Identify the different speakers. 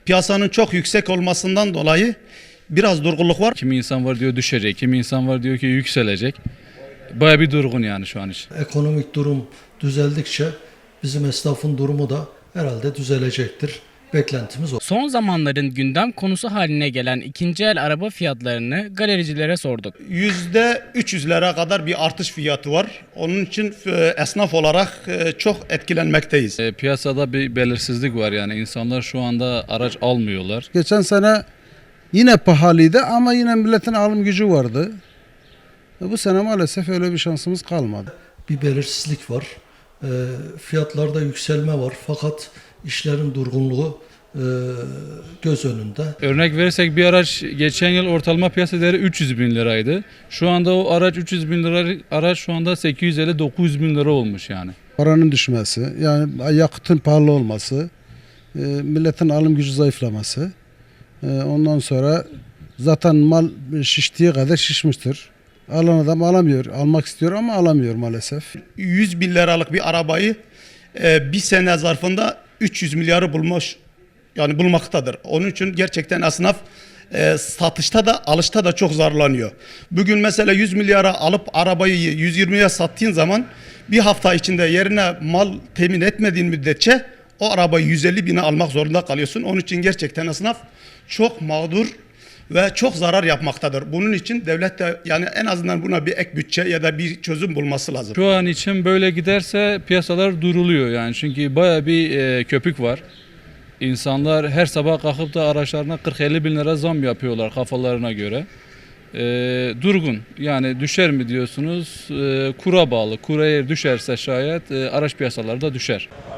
Speaker 1: Piyasanın çok yüksek olmasından dolayı biraz durgunluk var.
Speaker 2: Kimi insan var diyor düşecek, kimi insan var diyor ki yükselecek. Baya bir durgun yani şu an için.
Speaker 3: Ekonomik durum düzeldikçe bizim esnafın durumu da herhalde düzelecektir. Beklentimiz o.
Speaker 4: Son zamanların gündem konusu haline gelen ikinci el araba fiyatlarını galericilere sorduk.
Speaker 1: %300'lere kadar bir artış fiyatı var. Onun için esnaf olarak çok etkilenmekteyiz.
Speaker 2: Piyasada bir belirsizlik var yani insanlar şu anda araç almıyorlar.
Speaker 5: Geçen sene yine pahalıydı ama yine milletin alım gücü vardı. Bu sene maalesef öyle bir şansımız kalmadı.
Speaker 3: Bir belirsizlik var. Fiyatlarda yükselme var fakat işlerin durgunluğu göz önünde.
Speaker 2: Örnek verirsek bir araç geçen yıl ortalama piyasa değeri 300 bin liraydı. Şu anda o araç 300 bin lira araç şu anda 850-900 bin lira olmuş yani.
Speaker 5: Paranın düşmesi, yani yakıtın pahalı olması, milletin alım gücü zayıflaması. Ondan sonra zaten mal şiştiği kadar şişmiştir. Alan adam alamıyor, almak istiyor ama alamıyor maalesef.
Speaker 1: 100 bin liralık bir arabayı bir sene zarfında 300 milyarı bulmaktadır. Onun için gerçekten esnaf satışta da alışta da çok zarlanıyor. Bugün mesela 100 milyara alıp arabayı 120'ye sattığın zaman bir hafta içinde yerine mal temin etmediğin müddetçe o arabayı 150 bine almak zorunda kalıyorsun. Onun için gerçekten esnaf çok mağdur ve çok zarar yapmaktadır. Bunun için devlet de yani en azından buna bir ek bütçe ya da bir çözüm bulması lazım.
Speaker 2: Şu an için böyle giderse piyasalar duruluyor yani çünkü baya bir köpük var. İnsanlar her sabah kalkıp da araçlarına 40-50 bin lira zam yapıyorlar kafalarına göre. Durgun yani düşer mi diyorsunuz? Kura bağlı. Kura eğer düşerse şayet araç piyasaları da düşer.